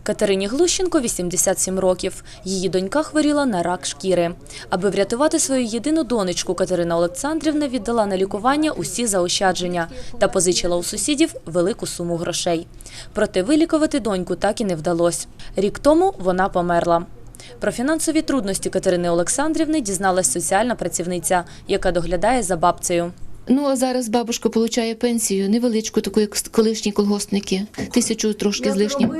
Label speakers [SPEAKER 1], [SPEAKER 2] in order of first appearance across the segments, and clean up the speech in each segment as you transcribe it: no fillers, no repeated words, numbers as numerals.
[SPEAKER 1] Катерині Глущенко 87 років. Її донька хворіла на рак шкіри. Аби врятувати свою єдину донечку, Катерина Олександрівна віддала на лікування усі заощадження та позичила у сусідів велику суму грошей. Проте вилікувати доньку так і не вдалося. Рік тому вона померла. Про фінансові трудності Катерини Олександрівни дізналась соціальна працівниця, яка доглядає за бабцею.
[SPEAKER 2] Ну, а зараз бабушка отримує пенсію, невеличку, таку, як колишні колгоспники, 1000 трошки з лишнім.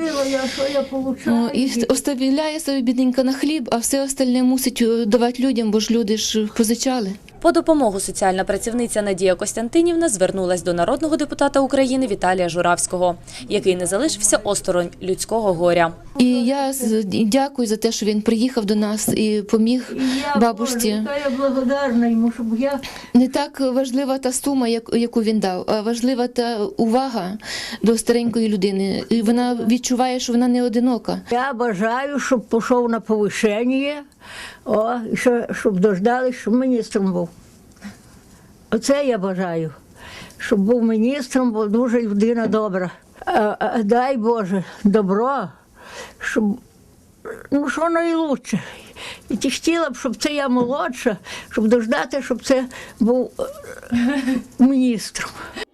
[SPEAKER 2] І оставляє собі бідненька на хліб, а все остальне мусить давати людям, бо ж люди ж позичали.
[SPEAKER 1] По допомогу соціальна працівниця Надія Костянтинівна звернулась до народного депутата України Віталія Журавського, який не залишився осторонь людського горя.
[SPEAKER 2] І я дякую за те, що він приїхав до нас і поміг бабусі.
[SPEAKER 3] Я благодарна йому, щоб я...
[SPEAKER 2] Не так важлива та сума, яку він дав, а важлива та увага до старенької людини. І вона відчуває, що вона не одинока.
[SPEAKER 3] Я бажаю, щоб пішов на повишення, і щоб дождались, щоб міністром був. Оце я бажаю, щоб був міністром, бо дуже людина добра. Дай Боже, добро, щоб, що найкраще. І ти хотіла б, щоб це я молодша, щоб дождати, щоб це був міністром.